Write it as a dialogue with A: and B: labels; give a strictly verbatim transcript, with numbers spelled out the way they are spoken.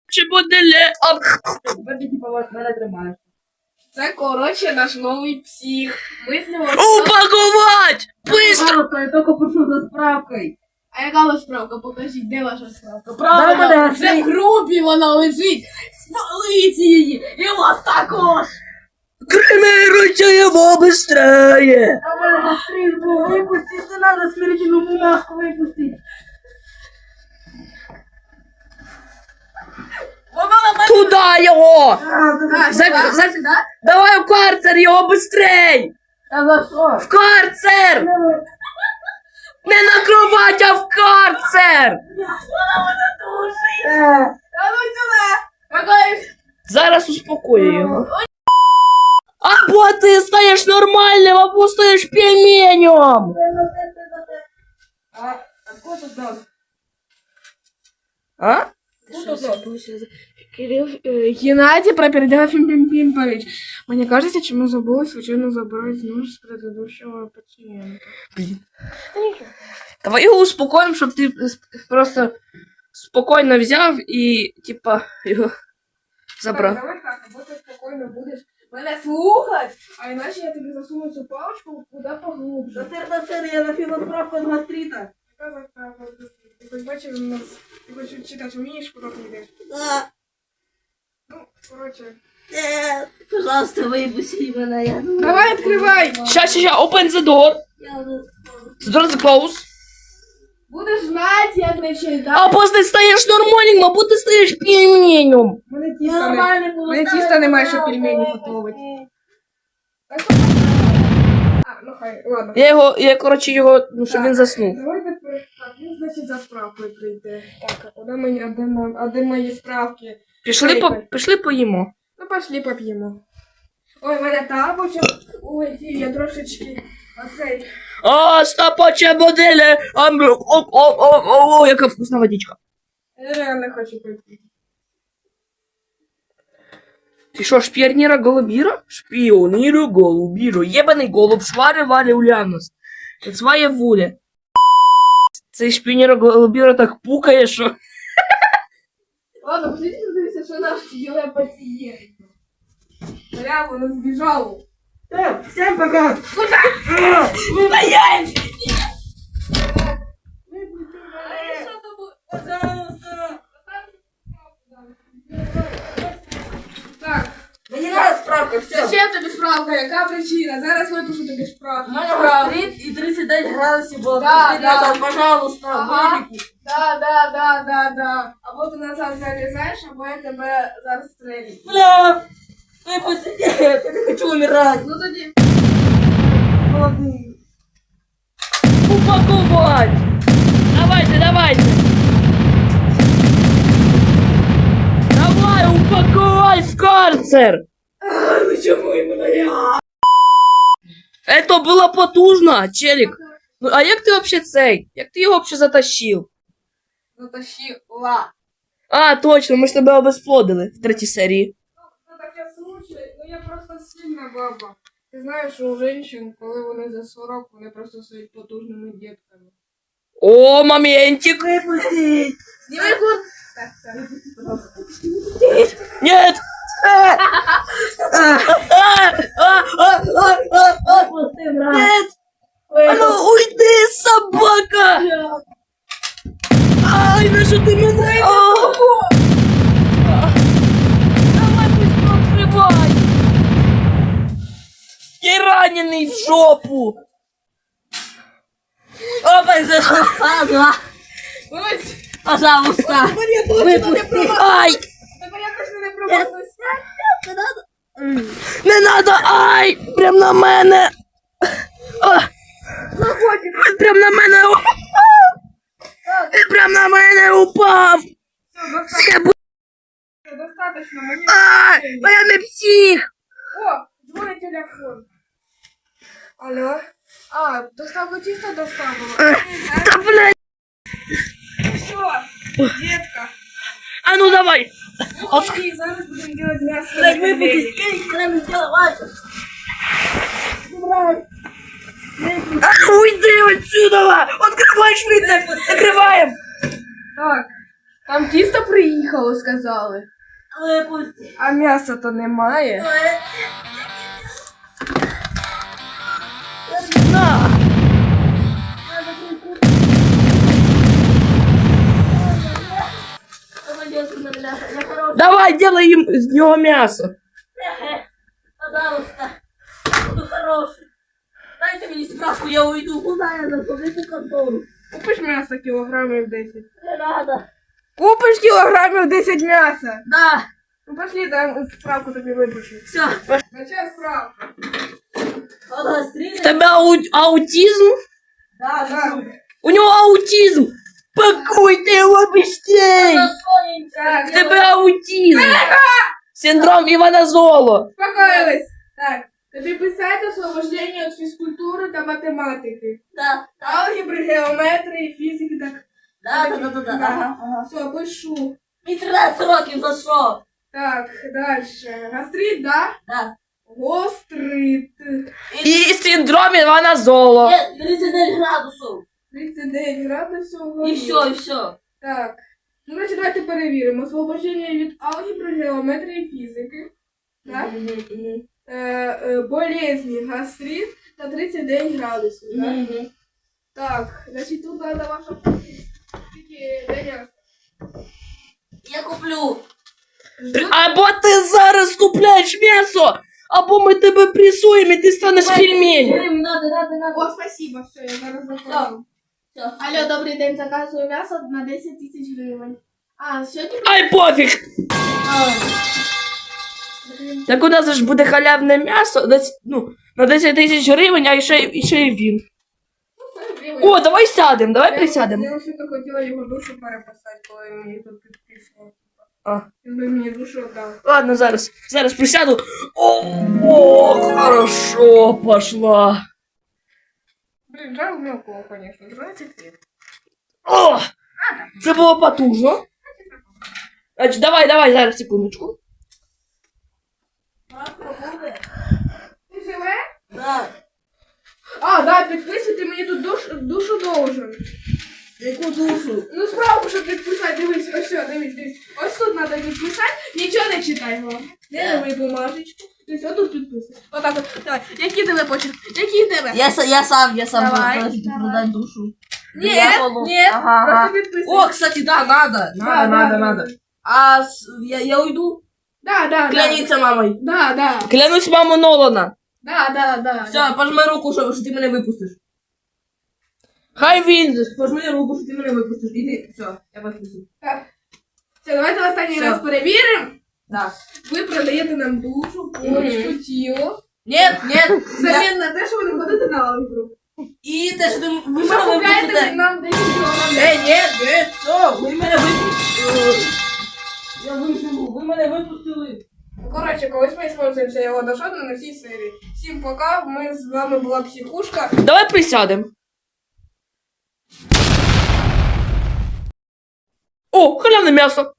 A: Чи буде ле...
B: Тепер ти типа вас мене тримаєш. Це, коротше, наш новий псих. Ми з нього...
A: Упакувати! Быстро!
B: Я тільки прошу за справкою. А яка у вас справка? Покажіть, де ваша справка?
A: Да,
B: Правда,
A: да,
B: вже в групі вона лежить. Спаліть її! І вас також!
A: Кремируйте його быстрее!
B: А мене быстрее було випустити, не треба смирительну бумажку випустити.
A: Туда його!
B: А,
A: За-
B: сюди,
A: за-
B: сюди?
A: Давай в карцер його быстрей!
B: Та за що?
A: В карцер! Не на кровать, а в карцер!
B: А ну сюди! Какой...
A: Зараз успокою його. Або ти стаєш нормальним, або стаєш пельменем!
B: А, откуда тут нос?
A: А?
B: Кирилл, э, Геннадий Пропердяев Пимпимпович. Мне кажется, чем мы забыли случайно забрать нож с предыдущего пациента.
A: Блін. Давай його успокоїмо, щоб ти просто спокійно взяв і, типа, його забрав.
B: Так, давай так, або ти спокійно будеш мене слухати, а іначе я тобі засуну цю паличку куди поглубже.
C: Да сир, да сир, я напила справку от гастрита.
B: Яка заправка? Ти хоч бачив, у нас, ти хоч читати вмієш, куди ти йдеш?
C: Да.
B: Ну, коротше.
C: Нет, пожалуйста, выпусти меня. Я...
B: Давай, відкривай!
A: Ща, ща, ща, open the door.
C: Я уже...
A: The door is closed.
B: Будеш знати, як не читати.
A: Або ти стаєш нормальним, або ти стаєш пельменем.
B: Мене тіста не...
C: Нормально было.
B: Мене тіста немає, щоб пельмені готувати. А, ну хай, ладно.
A: Я його, я, коротше, його, ну, щоб він заснув.
B: Давай тепер, так, він, значить, за справкою прийде. Так, а куди мені, а де, мо- а де мої справки?
A: Пішли, по, пішли поїмо.
B: Ну, пошли поп'ємо. Ой, в мене тапочок. Ой, ті, я трошечки, оцей.
A: О, стопоче моделі. О, о, о, о, о, о, яка вкусна водичка.
B: Я реально хочу пити.
A: Ти що, шпіоніра голубіра? Шпіоніра голубіра. Єбаний голуб, швари варі уляност. Це своя воля. Цей шпіоніра голубіра так пукає, що...
B: Ладно, пошлите подивитися, що наш діле пацієнт. Бля, воно збіжало.
C: Всем, всем пока.
A: Стоять!
B: Пожалуйста. Так,
C: Мені надо справка, все.
B: зачем тобі справка? Яка причина? Зараз випишу тобі справку.
C: У мене гастрит і тридцать дев'ять градусів було.
B: Да,
C: Пустіть
B: да.
C: назад, пожалуйста,
B: Ага.
C: вилікуй.
B: Да, да, да, да, да. Або ти назад залізаєш, або я тебе зараз стрелю.
C: Бля, выпусти, нет, я не хочу умирать.
B: Ну тоді.
C: Молодые.
A: Упаковать! Давайте, давайте! Давай, упаковай в карцер!
C: Ну чому іменно я?
A: Это было потужно, челик. Ну, а як ти вообще цей? Як ти його вообще затащив?
B: Затащила.
A: А, точно, ми ж тебе обезплодили в третій серії.
B: Ну таке случай, ну я просто сильна баба. Ти знаєш, що у жінчин, коли вони за сорок, вони просто стають потужними дітками.
A: О, моментик!
C: Выпусти.
B: Знімай курт! Так, все, випусти, пожалуйста.
A: Нет! А, а, а, а, а, а.
C: Выпусти, брат.
A: Нет! А ну уйди, собака! Ай, ну що ти мене? О! Давай быстро открывай! Я раненый в жопу!
C: Опа, захода.
B: Ось!
C: Пожалуйста. Выпусти.
A: Ай!
B: Тепер якось не промахнусь.
A: Не надо! Ай! Прям на мене! А! Він прям на мене упав! Він прям на мене упав!
B: Все,
A: Це бу-
B: достаточно, мені...
A: Ай! Та я не псих!
B: О, дзвонить телефон. Алло? А, доставку тіста доставила.
A: Та блядь!
B: Що? Детка.
A: А ну давай!
B: Окей, зараз будемо делать мясо.
C: Блядь, выпусти. Эй, она не сделала. Брат.
A: А ну уйди отсюда! Открывай швидко! Закриваємо!
B: Так. Там тісто приїхало, сказали.
C: Випусти.
B: А м'яса то немає.
A: На! Давай, делай їм з нього м'ясо.
C: Пожалуйста. Буду хороший. Дайте мені справку, я уйду. Куда я заходжу в контору?
B: Купиш м'ясо кілограмів десять.
C: Не надо.
B: Купиш кілограмів десять м'яса.
C: Да.
B: Ну пошли, там справку тобі випишу.
C: Все.
B: Начай справку.
C: От
A: В тебе ау- аутизм?
C: Да,
B: Так,
A: У нього аутизм! Пакуйте його быстрей!
B: так,
A: В тебе аутизм! Синдром Івана Золо!
B: успокоилась. Так, тобі писати освобождення від фізкультури та математики.
C: Да.
B: Алгебри, геометрії, фізики, так.
C: Да, да, да, да, да. Ага, ага.
B: Все, пишу.
C: Мені тринадцять років, за що?
B: Так, дальше. Гастрит, да?
C: Да.
B: Гострит.
A: І синдром Івана Золо!
C: Є тридцять дев'ять градусів.
B: тридцять дев'ять градусів.
C: І
B: вгорі.
C: все, і все.
B: Так. Ну, значить, давайте перевіримо. Освобождення від алгебри, геометрії, фізики. Так? Е, е, болезні, гастрит та тридцять дев'ять градусів. Так?
C: Мгм.
B: Так, значить, тут треба ваша тільки деня.
C: Я куплю.
A: Або ти зараз купляєш м'ясо, або ми тебе пресуємо і ти станеш пельменем.
C: Гривень, надо, надо, надо.
B: О, спасибо, все, я зараз
C: Все.
B: заказую.
C: Все.
B: Алло, добрий день, заказую м'ясо на десять тисяч гривень. А, сьогодні...
A: Ай, пофіг!
C: А,
A: Так у нас ж буде халявне м'ясо на, ц- ну, на десять тисяч гривень, а ще, і ще й він. О, давай сядемо, давай присядемо.
B: Я вже хотіла його душу переписати, коли мені тут підписував.
A: А.
B: Він би мені душу віддав.
A: Ладно, зараз, зараз присяду. О, о, хорошо, пошла.
B: Блін, жаль мелкого, конечно, двадцять лет.
A: О, це було потужно. Значить, давай, давай, зараз, секундочку.
C: Справка буде?
B: Ти живе?
C: Да.
B: А, да, підписуйте, мені тут душ, душу должен.
C: Яку душу?
B: Ну, справку, щоб підписати, дивись, ось все, дивись, дивись. Ось тут треба підписати, нічого не читай, головне. Не давай бумажечку. Дивись, отут підписуй. Отак от, давай. Який тебе почерк? Який тебе?
C: Я, са- я сам, я сам
B: Давай,
C: буду просить
B: давай.
C: продать душу.
B: Ні,
C: Я буду.
B: ні,
C: Ага,
B: просто
C: ага.
B: підписуй.
C: О, кстати, да, надо.
B: Да, да, да.
C: А с- я, я уйду?
B: Да, да, да.
C: Кляниться мамой.
B: Да, да.
A: Клянусь маму Нолана.
B: Да, да, да.
C: Все, пожми руку, що, що ти мене випустиш.
A: Хай він.
C: Пожми руку, що ти мене випустиш. Іди, все, я підписую.
B: Так. Все, давайте останній
C: Все.
B: раз перевіримо.
C: Да.
B: Ви продаєте нам душу, почку, тіло.
C: Нет, нет. Я...
B: Взамін на те, що ви не ходите на алгебру.
C: І те, що ти ви
B: Ви
C: мене
B: купляєте
C: випустите.
B: нам десять кілограмів.
C: Ей, нет, нет, все, ви мене випустили. Я виживу, ви мене випустили.
B: Коротше, колись ми спонсуємося його дошодно на всій серії. Всім пока, ми з вами була Психушка.
A: Давай присядемо. О, халявне м'ясо.